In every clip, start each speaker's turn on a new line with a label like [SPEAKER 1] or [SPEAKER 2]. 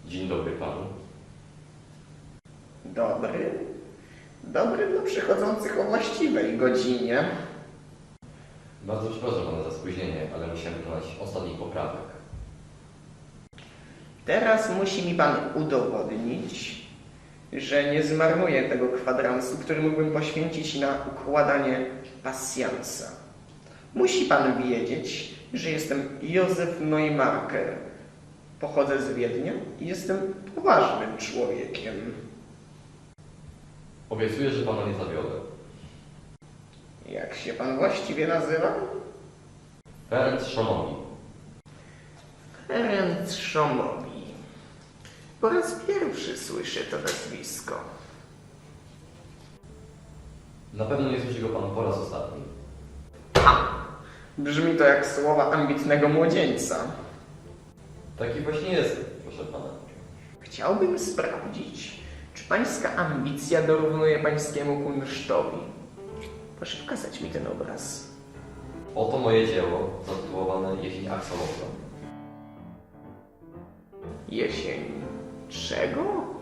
[SPEAKER 1] Dzień dobry panu.
[SPEAKER 2] Dobry. Dobry dla przychodzących o właściwej godzinie.
[SPEAKER 1] Bardzo przepraszam pana za spóźnienie, ale musiałem wykonać ostatnich poprawek.
[SPEAKER 2] Teraz musi mi pan udowodnić, że nie zmarnuję tego kwadransu, który mógłbym poświęcić na układanie pasjansa. Musi pan wiedzieć, że jestem Józef Neumarker. Pochodzę z Wiednia i jestem poważnym człowiekiem.
[SPEAKER 1] Obiecuję, że pana nie zawiodę.
[SPEAKER 2] Jak się pan właściwie nazywa?
[SPEAKER 1] Ferenc Szomogi.
[SPEAKER 2] Ferenc Szomogi. Po raz pierwszy słyszę to nazwisko.
[SPEAKER 1] Na pewno nie słyszy go pan po raz ostatni.
[SPEAKER 2] Brzmi to jak słowa ambitnego młodzieńca.
[SPEAKER 1] Taki właśnie jest, proszę pana.
[SPEAKER 2] Chciałbym sprawdzić, czy pańska ambicja dorównuje pańskiemu kunsztowi. Proszę pokazać mi ten obraz.
[SPEAKER 1] Oto moje dzieło, zatytułowane Jesień Axolotla.
[SPEAKER 2] Jesień czego?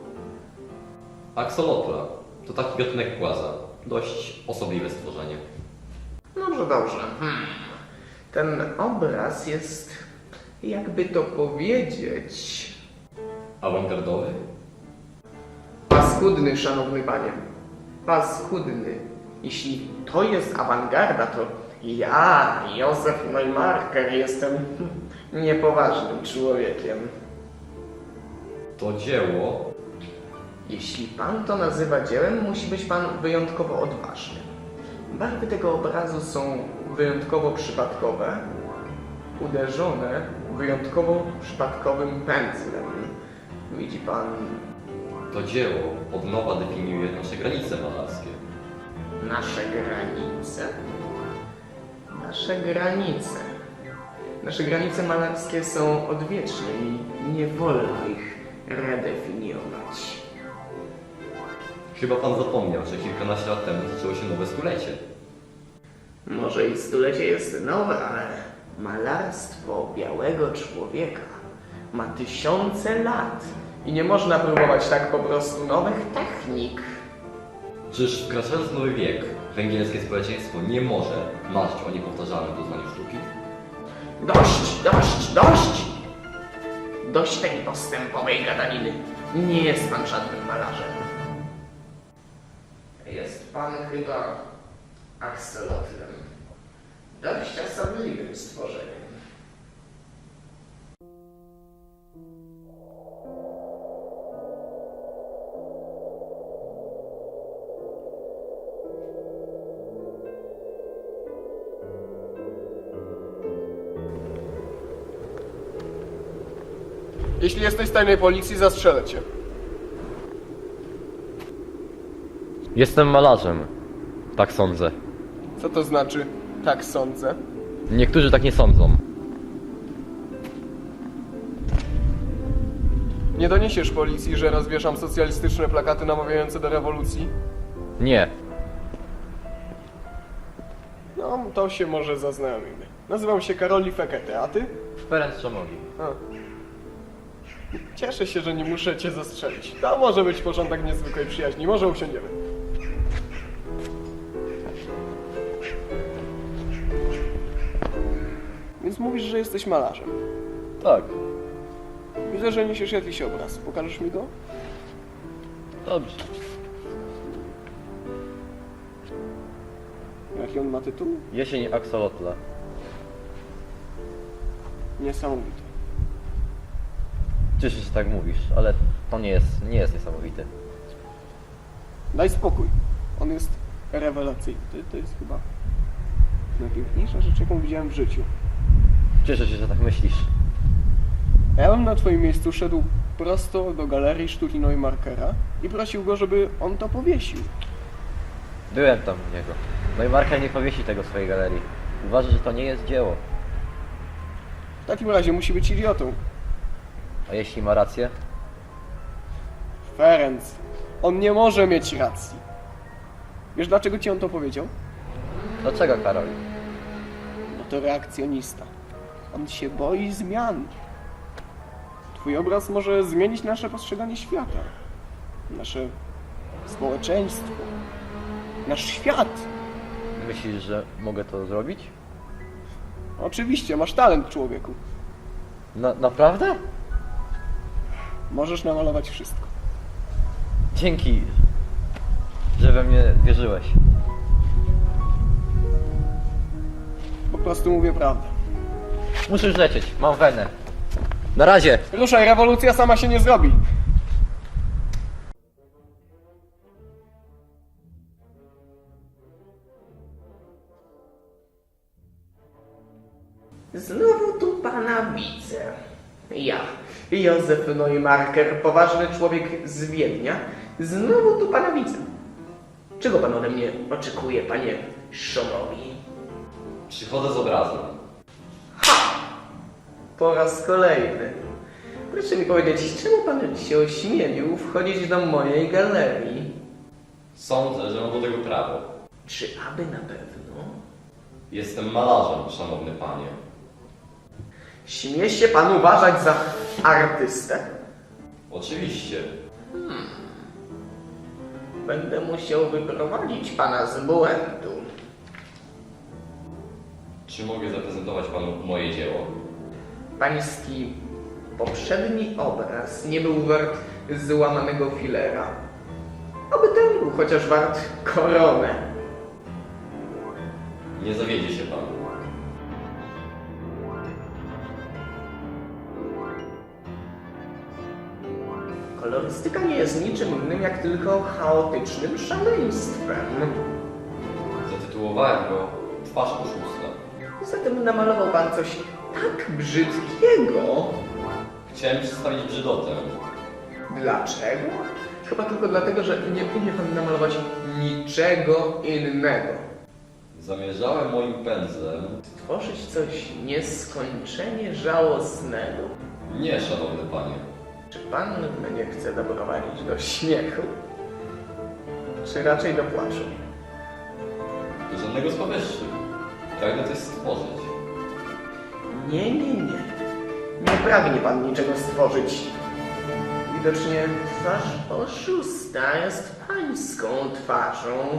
[SPEAKER 1] Axolotla to taki gatunek płaza. Dość osobliwe stworzenie.
[SPEAKER 2] Dobrze, dobrze. Ten obraz jest, jakby to powiedzieć,
[SPEAKER 1] Awangardowy?
[SPEAKER 2] paskudny, szanowny panie. Paskudny. Jeśli to jest awangarda, to ja, Józef Neumarker, jestem niepoważnym człowiekiem.
[SPEAKER 1] To dzieło
[SPEAKER 2] Jeśli pan to nazywa dziełem, musi być pan wyjątkowo odważny. Barwy tego obrazu są wyjątkowo przypadkowe, uderzone wyjątkowo przypadkowym pędzlem. Widzi pan,
[SPEAKER 1] To dzieło od nowa definiuje nasze granice malarskie.
[SPEAKER 2] nasze granice? Nasze granice. Nasze granice malarskie są odwieczne i nie wolno ich redefiniować.
[SPEAKER 1] Chyba pan zapomniał, że kilkanaście lat temu zaczęło się nowe stulecie.
[SPEAKER 2] Może i stulecie jest nowe, ale malarstwo białego człowieka ma tysiące lat i nie można próbować tak po prostu nowych technik.
[SPEAKER 1] Czyż wkraczając w nowy wiek, węgierskie społeczeństwo nie może marzyć o niepowtarzalnym doznaniu sztuki?
[SPEAKER 2] Dość, dość, dość! Dość tej postępowej gadaniny. Nie jest pan żadnym malarzem. Jest pan chyba akselotlem. Dość osobliwym stworzeniem.
[SPEAKER 3] Jeśli jesteś z tajnej policji, zastrzelę cię.
[SPEAKER 1] Jestem malarzem. Tak sądzę.
[SPEAKER 3] Co to znaczy? Tak sądzę.
[SPEAKER 1] Niektórzy tak nie sądzą.
[SPEAKER 3] Nie doniesiesz policji, że rozwieszam socjalistyczne plakaty namawiające do rewolucji?
[SPEAKER 1] Nie.
[SPEAKER 3] No, to się może zaznajomimy. Nazywam się Karoli Fekete, a ty?
[SPEAKER 1] Ferenc Szomogi.
[SPEAKER 3] A. Cieszę się, że nie muszę cię zastrzelić. To może być początek niezwykłej przyjaźni. Może usiądziemy. Więc mówisz, że jesteś malarzem.
[SPEAKER 1] Tak.
[SPEAKER 3] Widzę, że niesiesz jakiś obraz. Pokażesz mi go?
[SPEAKER 1] Dobrze.
[SPEAKER 3] Jaki on ma tytuł?
[SPEAKER 1] Jesień Axolotla.
[SPEAKER 3] Niesamowity.
[SPEAKER 1] Cieszę się, że tak mówisz, ale to nie jest niesamowite.
[SPEAKER 3] Daj spokój. On jest rewelacyjny. To jest chyba najpiękniejsza rzecz, jaką widziałem w życiu.
[SPEAKER 1] Cieszę się, że tak myślisz.
[SPEAKER 3] Ja bym na twoim miejscu szedł prosto do Galerii Sztuki Neumarkera i prosił go, żeby on to powiesił.
[SPEAKER 1] Byłem tam u niego. No i Marker nie powiesi tego w swojej galerii. Uważa, że to nie jest dzieło.
[SPEAKER 3] W takim razie musi być idiotą.
[SPEAKER 1] A jeśli ma rację?
[SPEAKER 3] Ferenc. On nie może mieć racji. Wiesz, dlaczego ci on to powiedział?
[SPEAKER 1] Dlaczego, Karol?
[SPEAKER 3] Bo to reakcjonista. On się boi zmian. Twój obraz może zmienić nasze postrzeganie świata, nasze społeczeństwo, nasz świat.
[SPEAKER 1] Myślisz, że mogę to zrobić?
[SPEAKER 3] Oczywiście, masz talent, człowieku.
[SPEAKER 1] Naprawdę?
[SPEAKER 3] Możesz namalować wszystko.
[SPEAKER 1] Dzięki, że we mnie wierzyłeś.
[SPEAKER 3] Po prostu mówię prawdę.
[SPEAKER 1] Muszę już lecieć, mam wenę. Na razie!
[SPEAKER 3] Ruszaj, rewolucja sama się nie zrobi.
[SPEAKER 2] Znowu tu pana widzę. Ja, Józef Neumarker, poważny człowiek z Wiednia. Znowu tu pana widzę. Czego pan ode mnie oczekuje, panie Szomowi?
[SPEAKER 1] Przychodzę z obrazem.
[SPEAKER 2] Po raz kolejny. Proszę mi powiedzieć, czemu pan się ośmielił wchodzić do mojej galerii?
[SPEAKER 1] Sądzę, że mam do tego prawo.
[SPEAKER 2] Czy aby na pewno?
[SPEAKER 1] Jestem malarzem, szanowny panie.
[SPEAKER 2] Śmie się pan uważać za artystę?
[SPEAKER 1] Oczywiście.
[SPEAKER 2] Będę musiał wyprowadzić pana z błędu.
[SPEAKER 1] Czy mogę zaprezentować panu moje dzieło?
[SPEAKER 2] Pański poprzedni obraz nie był wart złamanego filera. Oby ten był chociaż wart koronę.
[SPEAKER 1] Nie zawiedzie się pan.
[SPEAKER 2] Kolorystyka nie jest niczym innym jak tylko chaotycznym szaleństwem.
[SPEAKER 1] Zatytułowałem go Twarz oszusta.
[SPEAKER 2] Zatem namalował pan coś tak brzydkiego.
[SPEAKER 1] Chciałem przedstawić brzydotę.
[SPEAKER 2] Dlaczego? Chyba tylko dlatego, że nie umie pan namalować niczego innego.
[SPEAKER 1] Zamierzałem moim pędzlem...
[SPEAKER 2] Tworzyć coś nieskończenie żałosnego.
[SPEAKER 1] Nie, szanowny panie.
[SPEAKER 2] Czy pan mnie chce doprowadzić do śmiechu? Czy raczej do płaczu?
[SPEAKER 1] Do żadnego z powyższych. Pragnę coś stworzyć.
[SPEAKER 2] Nie. Nie pragnie pan niczego stworzyć. Widocznie twarz oszusta jest pańską twarzą.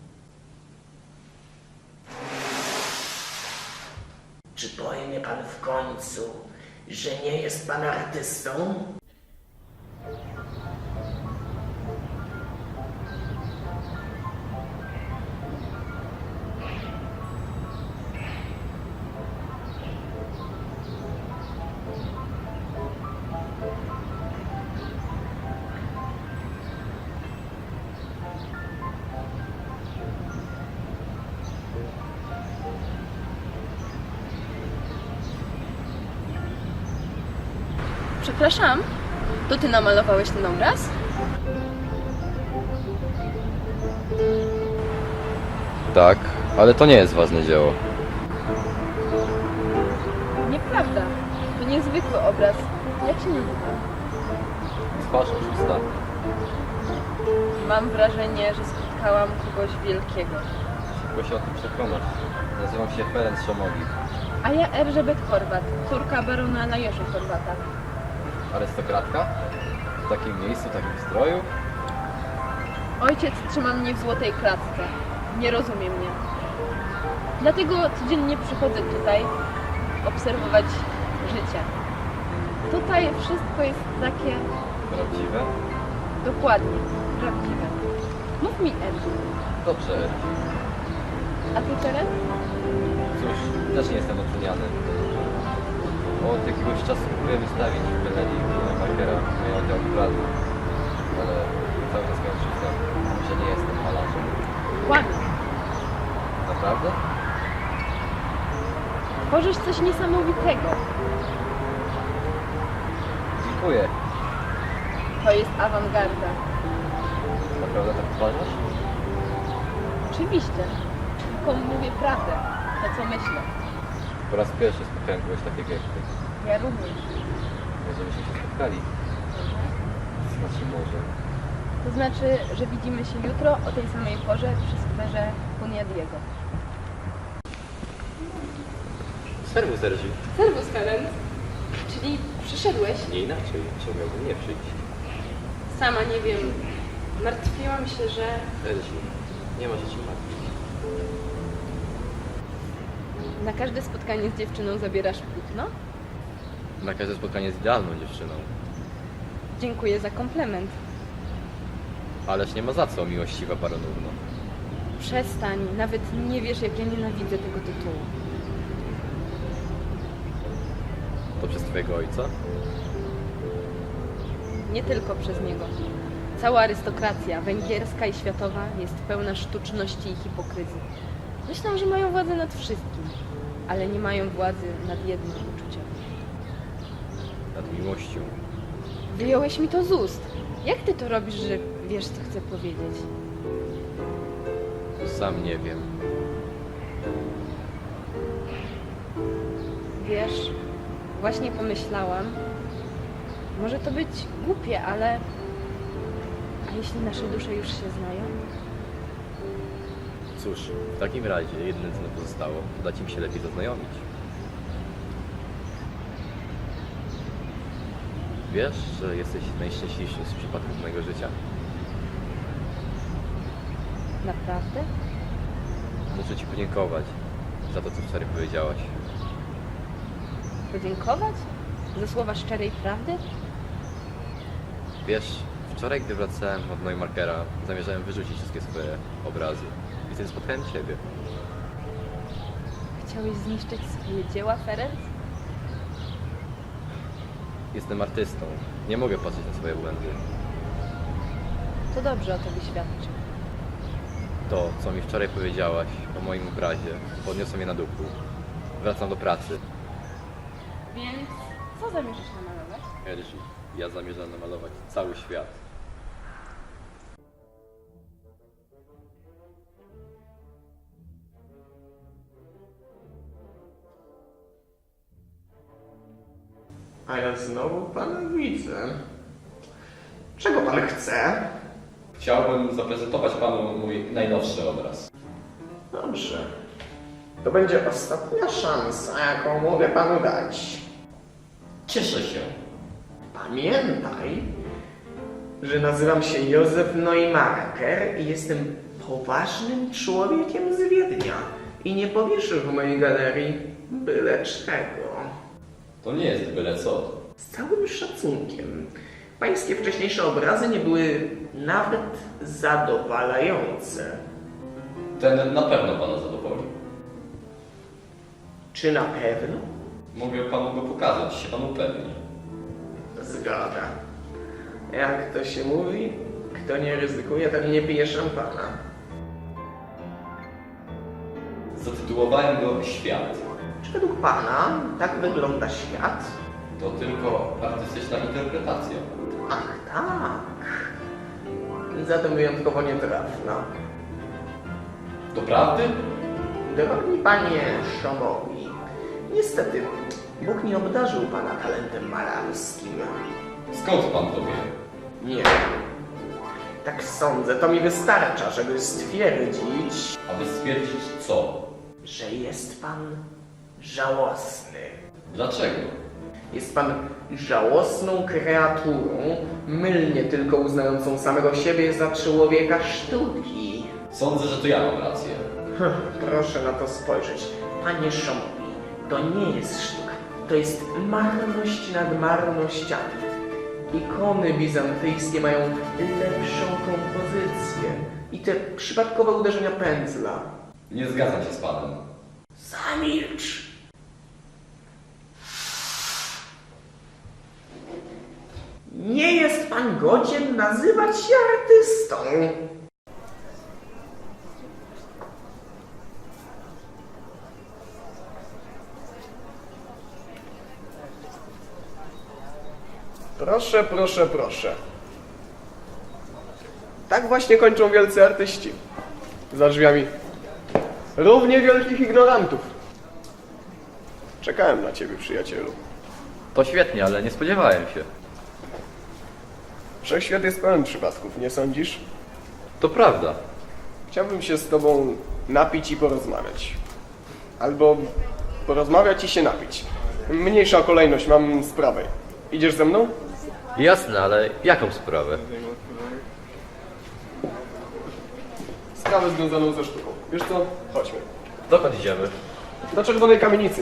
[SPEAKER 2] Czy powie mnie pan w końcu, że nie jest pan artystą?
[SPEAKER 4] Przepraszam, to ty namalowałeś ten obraz?
[SPEAKER 1] Tak, ale to nie jest ważne dzieło.
[SPEAKER 4] Nieprawda. To niezwykły obraz. Jak się nazywa?
[SPEAKER 1] Twarz oszusta.
[SPEAKER 4] Mam wrażenie, że spotkałam kogoś wielkiego.
[SPEAKER 1] Szybko się o tym przekonać. Nazywam się Ferenc Szomogi.
[SPEAKER 4] A ja Elżbiet Horvat, córka barona Lajosza Horvata.
[SPEAKER 1] Arystokratka? W takim miejscu, w takim stroju?
[SPEAKER 4] Ojciec trzyma mnie w złotej klatce. Nie rozumie mnie. Dlatego codziennie przychodzę tutaj obserwować życie. Tutaj wszystko jest takie
[SPEAKER 1] Prawdziwe?
[SPEAKER 4] dokładnie prawdziwe. Mów mi, Elżu.
[SPEAKER 1] Dobrze.
[SPEAKER 4] A ty, Czeret?
[SPEAKER 1] Cóż, też nie jestem oceniany. Od jakiegoś czasu próbuję wystawić w galerii Markera moje oddział pracy, ale cały czas miałem wszystko, że nie jestem malarzem.
[SPEAKER 4] Kłamie.
[SPEAKER 1] Naprawdę?
[SPEAKER 4] Tworzysz coś niesamowitego.
[SPEAKER 1] Dziękuję.
[SPEAKER 4] To jest awangarda.
[SPEAKER 1] Naprawdę tak uważasz?
[SPEAKER 4] Oczywiście. Tylko mówię prawdę. To, co myślę.
[SPEAKER 1] Po raz pierwszy spotkałem kogoś takiego jak ty.
[SPEAKER 4] Ja również.
[SPEAKER 1] Może byśmy się spotkali. Znaczy może.
[SPEAKER 4] To znaczy, że widzimy się jutro o tej samej porze przy skwerze Huniadiego.
[SPEAKER 1] Serwus, Sergi.
[SPEAKER 4] Servus, Helen. Czyli
[SPEAKER 5] Przyszedłeś?
[SPEAKER 1] Nie inaczej, czemu miałbym nie przyjść?
[SPEAKER 5] Sama nie wiem. Martwiłam się, że...
[SPEAKER 1] Elsiu, nie ma się czym martwić.
[SPEAKER 4] Na każde spotkanie z dziewczyną zabierasz płótno?
[SPEAKER 1] Na każde spotkanie z idealną dziewczyną.
[SPEAKER 4] Dziękuję za komplement.
[SPEAKER 1] Ależ nie ma za co, miłościwa paronówno.
[SPEAKER 4] Przestań, nawet nie wiesz, jak ja nienawidzę tego tytułu.
[SPEAKER 1] To przez twojego ojca?
[SPEAKER 4] Nie tylko przez niego. Cała arystokracja, węgierska i światowa, jest pełna sztuczności i hipokryzji. Myślą, że mają władzę nad wszystkim, ale nie mają władzy nad jednym uczuciem.
[SPEAKER 1] Nad miłością.
[SPEAKER 4] Wyjąłeś mi to z ust. Jak ty to robisz, że wiesz, co chcę powiedzieć?
[SPEAKER 1] Sam nie wiem.
[SPEAKER 4] Wiesz, właśnie pomyślałam, może to być głupie, ale... A jeśli nasze dusze już się znają?
[SPEAKER 1] Cóż, w takim razie jedyne co nam pozostało, to dać im się lepiej zaznajomić. Wiesz, że jesteś najszczęśliwszym z przypadków mojego życia?
[SPEAKER 4] Naprawdę?
[SPEAKER 1] Muszę ci podziękować za to, co wczoraj powiedziałaś.
[SPEAKER 4] Podziękować? Za słowa szczerej prawdy?
[SPEAKER 1] Wiesz, wczoraj gdy wracałem od Neumarkera, zamierzałem wyrzucić wszystkie swoje obrazy. I wtedy spotkałem ciebie.
[SPEAKER 4] Chciałeś zniszczyć swoje dzieła, Ferenc?
[SPEAKER 1] Jestem artystą. Nie mogę patrzeć na swoje błędy.
[SPEAKER 4] To dobrze o tobie świadczy.
[SPEAKER 1] To, co mi wczoraj powiedziałaś o moim obrazie, podniosło mnie na duchu. Wracam do pracy.
[SPEAKER 4] Więc co zamierzasz namalować?
[SPEAKER 1] Elsi, ja zamierzam namalować cały świat.
[SPEAKER 2] A ja znowu pana widzę. Czego pan chce?
[SPEAKER 1] Chciałbym zaprezentować panu mój najnowszy obraz.
[SPEAKER 2] Dobrze. To będzie ostatnia szansa, jaką mogę panu dać.
[SPEAKER 1] Cieszę się.
[SPEAKER 2] Pamiętaj, że nazywam się Józef Neumarker i jestem poważnym człowiekiem z Wiednia i nie powieszę w mojej galerii byle czego.
[SPEAKER 1] To nie jest byle co.
[SPEAKER 2] Z całym szacunkiem, pańskie wcześniejsze obrazy nie były nawet zadowalające.
[SPEAKER 1] Ten na pewno pana zadowoli.
[SPEAKER 2] Czy na pewno?
[SPEAKER 1] Mogę panu go pokazać, się pan upewni.
[SPEAKER 2] Zgoda. Jak to się mówi, kto nie ryzykuje, ten nie pije szampana.
[SPEAKER 1] Zatytułowałem go Świat.
[SPEAKER 2] Czy według pana tak wygląda świat?
[SPEAKER 1] To tylko artystyczna interpretacja.
[SPEAKER 2] Ach, tak. Zatem wyjątkowo nietrafna.
[SPEAKER 1] Doprawdy?
[SPEAKER 2] Drogi panie Szomowi, niestety Bóg nie obdarzył pana talentem malarskim.
[SPEAKER 1] Skąd pan to wie?
[SPEAKER 2] Nie. Tak sądzę, to mi wystarcza, żeby stwierdzić,
[SPEAKER 1] Aby stwierdzić co?
[SPEAKER 2] że jest pan żałosny.
[SPEAKER 1] Dlaczego?
[SPEAKER 2] Jest pan żałosną kreaturą, mylnie tylko uznającą samego siebie za człowieka sztuki.
[SPEAKER 1] Sądzę, że to ja mam rację.
[SPEAKER 2] Proszę na to spojrzeć. Panie Szomowi, to nie jest sztuka. To jest marność nad marnościami. Ikony bizantyjskie mają lepszą kompozycję. I te przypadkowe uderzenia pędzla.
[SPEAKER 1] Nie zgadzam się z panem.
[SPEAKER 2] Zamilcz! Nie jest pan godzien nazywać się artystą.
[SPEAKER 3] Proszę, proszę, proszę. Tak właśnie kończą wielcy artyści. Za drzwiami równie wielkich ignorantów. Czekałem na ciebie, przyjacielu.
[SPEAKER 1] To świetnie, ale nie spodziewałem się.
[SPEAKER 3] Wszechświat jest pełen przypadków, nie sądzisz?
[SPEAKER 1] To prawda.
[SPEAKER 3] Chciałbym się z tobą napić i porozmawiać. Albo porozmawiać i się napić. Mniejsza kolejność, mam z prawej. Idziesz ze mną?
[SPEAKER 1] Jasne, ale jaką sprawę?
[SPEAKER 3] Sprawę związaną ze sztuką. Wiesz co? Chodźmy.
[SPEAKER 1] Dokąd idziemy?
[SPEAKER 3] Do Czerwonej Kamienicy.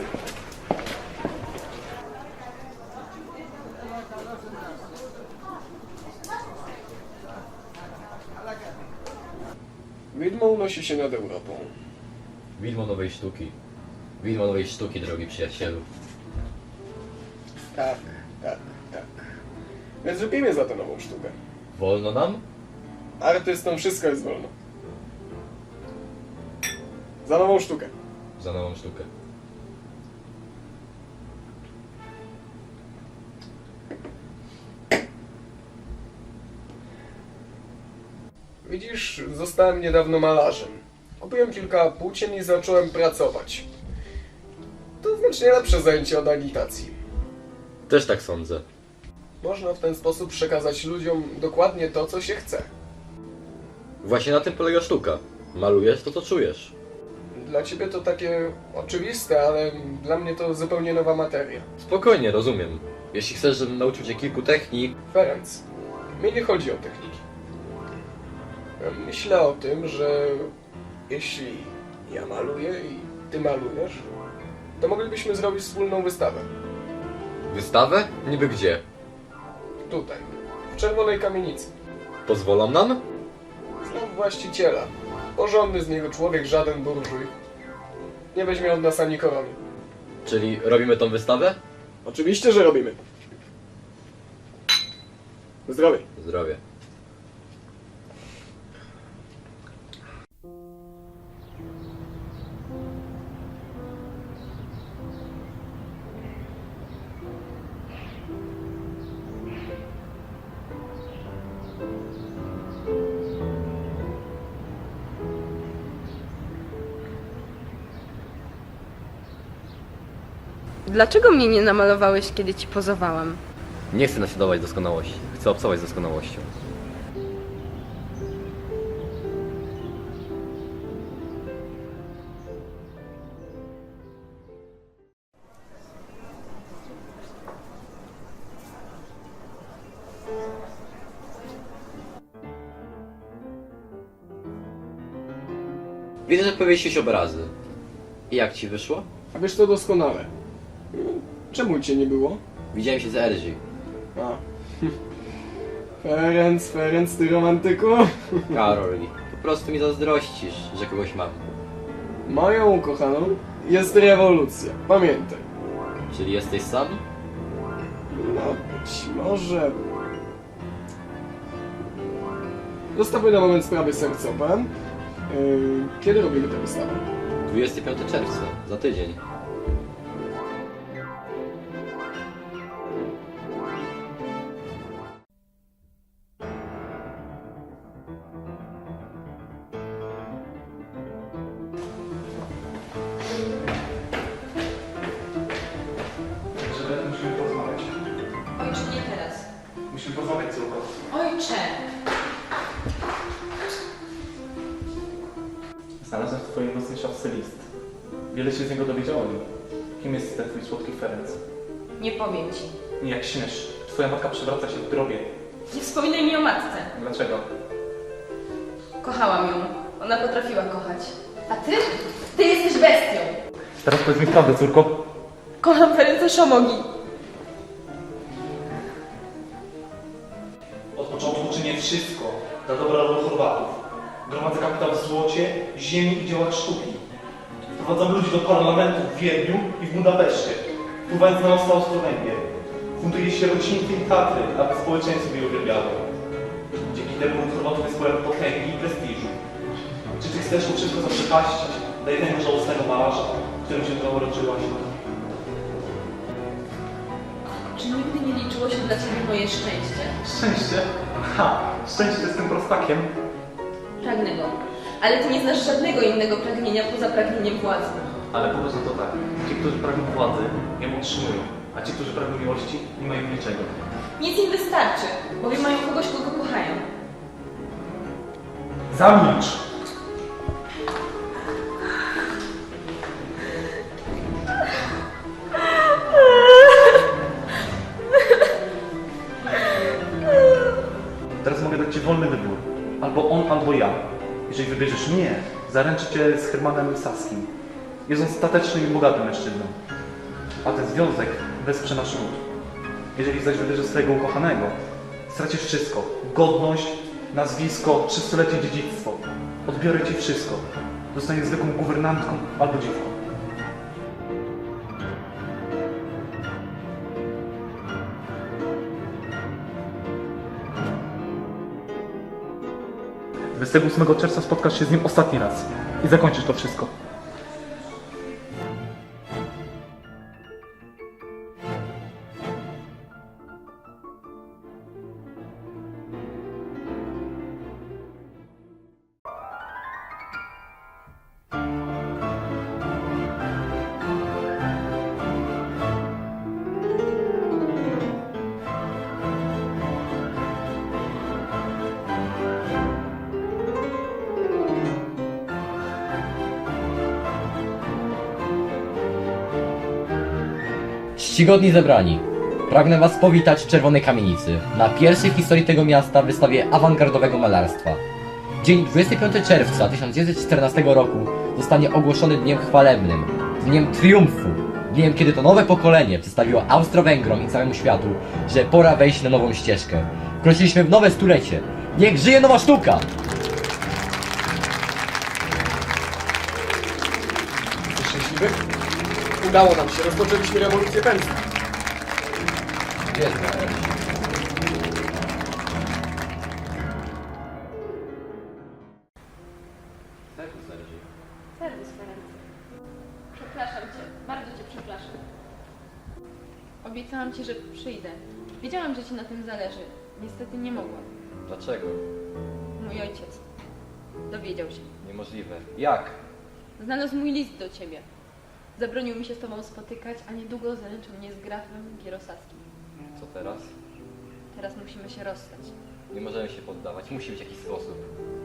[SPEAKER 3] Widmo unosi się nad Europą.
[SPEAKER 1] Widmo nowej sztuki. Widmo nowej sztuki, drogi przyjacielu.
[SPEAKER 3] Tak. Więc lubimy za tę nową sztukę.
[SPEAKER 1] Wolno nam?
[SPEAKER 3] Artystom wszystko jest wolno. Za nową sztukę.
[SPEAKER 1] Za nową sztukę.
[SPEAKER 3] Widzisz, zostałem niedawno malarzem. Kupiłem kilka płócien i zacząłem pracować. To znacznie lepsze zajęcie od agitacji.
[SPEAKER 1] Też tak sądzę.
[SPEAKER 3] Można w ten sposób przekazać ludziom dokładnie to, co się chce.
[SPEAKER 1] Właśnie na tym polega sztuka. Malujesz to, co czujesz.
[SPEAKER 3] Dla ciebie to takie oczywiste, ale dla mnie to zupełnie nowa materia.
[SPEAKER 1] Spokojnie, rozumiem. Jeśli chcesz, żebym nauczył cię kilku technik,
[SPEAKER 3] Ferenc, mi nie chodzi o techniki. Myślę o tym, że jeśli ja maluję i ty malujesz, to moglibyśmy zrobić wspólną wystawę.
[SPEAKER 1] wystawę? Niby gdzie?
[SPEAKER 3] Tutaj, w Czerwonej Kamienicy.
[SPEAKER 1] Pozwolą nam?
[SPEAKER 3] Znam właściciela. Porządny z niego człowiek, żaden burżuj. Nie weźmie od nas ani korony.
[SPEAKER 1] Czyli robimy tą wystawę?
[SPEAKER 3] Oczywiście, że robimy. Zdrowie.
[SPEAKER 1] Zdrowie.
[SPEAKER 4] Dlaczego mnie nie namalowałeś, kiedy ci pozowałam?
[SPEAKER 1] Nie chcę naśladować doskonałości. Chcę obcować z doskonałością. Widzę, że powiesiłeś obrazy. I jak ci wyszło?
[SPEAKER 3] A wiesz to doskonale. Czemu cię nie było?
[SPEAKER 1] Widziałem się z Erzi.
[SPEAKER 3] A. Ferenc, ty romantyku.
[SPEAKER 1] Karoli, po prostu mi zazdrościsz, że kogoś mam.
[SPEAKER 3] Moją ukochaną jest rewolucja. Pamiętaj.
[SPEAKER 1] Czyli jesteś sam?
[SPEAKER 3] No, być może... Zostawmy na moment sprawy sercowe. Kiedy robimy tę wystawę?
[SPEAKER 1] 25 czerwca, za tydzień.
[SPEAKER 6] Elżbieta, musimy porozmawiać.
[SPEAKER 5] Ojcze, nie teraz.
[SPEAKER 6] Musimy porozmawiać, córko.
[SPEAKER 5] Ojcze!
[SPEAKER 6] Znalazłem w twojej własnej szafce list. Wiele się z niego dowiedziałem. Kim jest ten twój słodki Ferenc?
[SPEAKER 5] Nie powiem ci.
[SPEAKER 6] Nie, jak śmiesz. Twoja matka przewraca się w grobie.
[SPEAKER 5] Nie wspominaj mi o matce.
[SPEAKER 6] Dlaczego?
[SPEAKER 5] Kochałam ją. Ona potrafiła kochać. A ty? Ty jesteś bestią.
[SPEAKER 6] Teraz powiedz mi prawdę, córko.
[SPEAKER 5] Kocham Ferenca Szomogi.
[SPEAKER 6] Od początku czynię wszystko dla dobra rodu Chorwatów. Gromadzę kapitał w złocie, ziemi i dziełach sztuki. Wprowadzam ludzi do parlamentu w Wiedniu i w Budapeszcie, wpływając na most Austro-Węgier. Funduję sierocińce i Tatry, aby społeczeństwo je uwielbiało. Dzięki temu lud Chorwatów jest pełen potęgi i prestiżu. Czy ty chcesz to wszystko zaprzepaścić dla jednego żałosnego malarza, którym się zauroczyłaś?
[SPEAKER 5] Czy nigdy nie liczyło się dla ciebie moje szczęście?
[SPEAKER 6] Szczęście? Ha! Szczęście z tym prostakiem.
[SPEAKER 5] Pragnę go. Ale ty nie znasz żadnego innego pragnienia poza pragnieniem władzy.
[SPEAKER 6] Ale popatrz na to tak. Ci, którzy pragną władzy, ją otrzymują, a ci, którzy pragną miłości, nie mają niczego.
[SPEAKER 5] Nic im wystarczy, bowiem mają kogoś, kogo kochają.
[SPEAKER 6] Zamilcz! Jeżeli wybierzesz mnie, zaręczę cię z Hermanem Saskim. Jest on statecznym i bogatym mężczyzną. A ten związek wesprze nasz ród. Jeżeli zaś wybierzesz swojego ukochanego, stracisz wszystko. Godność, nazwisko, 300-letnie dziedzictwo. Odbiorę ci wszystko. Zostaniesz zwykłą guwernantką albo dziewką. Dwudziestego 8 czerwca spotkasz się z nim ostatni raz i zakończysz to wszystko.
[SPEAKER 7] Czcigodni zebrani, pragnę Was powitać w Czerwonej Kamienicy na pierwszej w historii tego miasta wystawie awangardowego malarstwa. Dzień 25 czerwca 1914 roku zostanie ogłoszony dniem chwalebnym, dniem triumfu, dniem, kiedy to nowe pokolenie przedstawiło Austro-Węgrom i całemu światu, że pora wejść na nową ścieżkę. Wkroczyliśmy w nowe stulecie. Niech żyje nowa sztuka!
[SPEAKER 3] Jesteś szczęśliwy? Udało nam się, rozpoczęliśmy rewolucję pędzla.
[SPEAKER 1] Biedna Elsie. Serwus, Elsie.
[SPEAKER 4] Serwus, Ferenc. Przepraszam cię, bardzo cię przepraszam. Obiecałam ci, że przyjdę. Wiedziałam, że ci na tym zależy. Niestety nie mogłam.
[SPEAKER 1] Dlaczego?
[SPEAKER 4] Mój ojciec dowiedział się.
[SPEAKER 1] Niemożliwe. Jak?
[SPEAKER 4] Znalazł mój list do ciebie. Zabronił mi się z tobą spotykać, a niedługo zaręczył mnie z grafem Gierosaskim.
[SPEAKER 1] Co teraz?
[SPEAKER 4] Teraz musimy się rozstać.
[SPEAKER 1] Nie możemy się poddawać. Musi być jakiś sposób.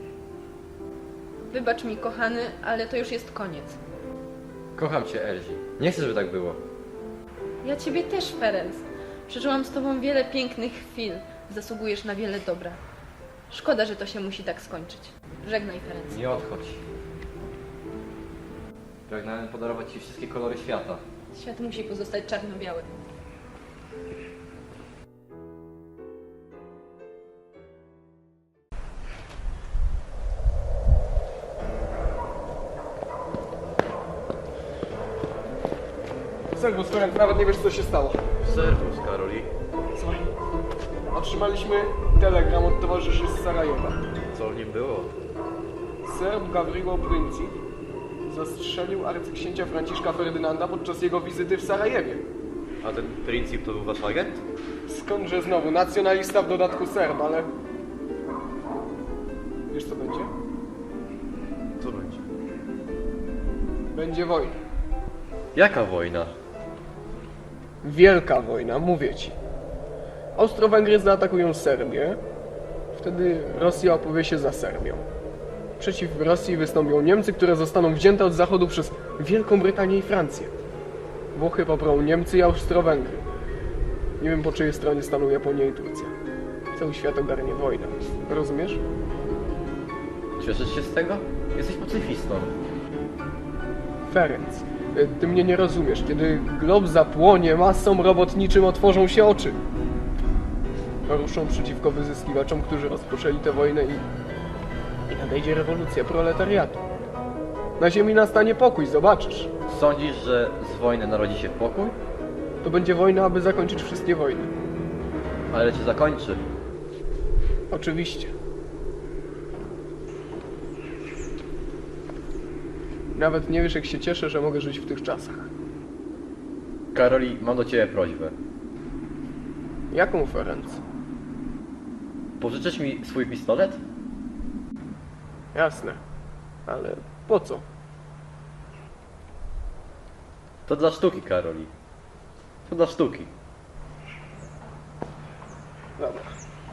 [SPEAKER 4] Wybacz mi, kochany, ale to już jest koniec.
[SPEAKER 1] Kocham cię, Elsie. Nie chcę, żeby tak było.
[SPEAKER 4] Ja ciebie też, Ferenc. Przeżyłam z tobą wiele pięknych chwil. Zasługujesz na wiele dobra. Szkoda, że to się musi tak skończyć. Żegnaj, Ferenc.
[SPEAKER 1] Nie odchodź. Pragnąłem podarować ci wszystkie kolory świata.
[SPEAKER 4] Świat musi pozostać czarno-biały.
[SPEAKER 3] Serwus, Ferenc, nawet nie wiesz, co się stało.
[SPEAKER 1] Serwus, Karoli.
[SPEAKER 3] Słuchaj, otrzymaliśmy telegram od towarzyszy z Sarajewa.
[SPEAKER 1] Co w nim było?
[SPEAKER 3] Serb Gavrilo Princip zastrzelił arcyksięcia Franciszka Ferdynanda podczas jego wizyty w Sarajewie.
[SPEAKER 1] A ten Princip to był wasz agent?
[SPEAKER 3] Skądże znowu, nacjonalista w dodatku Serb, ale... Wiesz, co będzie?
[SPEAKER 1] Co będzie?
[SPEAKER 3] Będzie wojna.
[SPEAKER 1] Jaka wojna?
[SPEAKER 3] Wielka wojna, mówię ci. Austro-Węgry zaatakują Serbię, wtedy Rosja opowie się za Serbią. Przeciw Rosji wystąpią Niemcy, które zostaną wzięte od zachodu przez Wielką Brytanię i Francję. Włochy poprą Niemcy i Austro-Węgry. Nie wiem, po czyjej stronie staną Japonia i Turcja. Cały świat ogarnie wojna. Rozumiesz?
[SPEAKER 1] Cieszysz się z tego? Jesteś pacyfistą.
[SPEAKER 3] Ferenc, ty mnie nie rozumiesz. Kiedy glob zapłonie, masom robotniczym otworzą się oczy. Ruszą przeciwko wyzyskiwaczom, którzy rozpoczęli tę wojnę i nadejdzie rewolucja proletariatu. Na ziemi nastanie pokój, zobaczysz.
[SPEAKER 1] Sądzisz, że z wojny narodzi się pokój?
[SPEAKER 3] To będzie wojna, aby zakończyć wszystkie wojny.
[SPEAKER 1] Ale czy zakończy?
[SPEAKER 3] Oczywiście. Nawet nie wiesz, jak się cieszę, że mogę żyć w tych czasach.
[SPEAKER 1] Karoli, mam do ciebie prośbę.
[SPEAKER 3] Jaką, Ferenc?
[SPEAKER 1] Pożyczysz mi swój pistolet?
[SPEAKER 3] Jasne. Ale po co?
[SPEAKER 1] To dla sztuki, Karoli. To dla sztuki.
[SPEAKER 3] Dobra.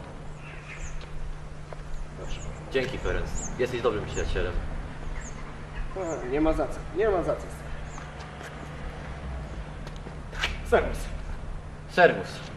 [SPEAKER 1] Dzięki, Ferenc. Jesteś dobrym przyjacielem.
[SPEAKER 3] Nie ma za co. Nie ma za co. Serwus.
[SPEAKER 1] Serwus.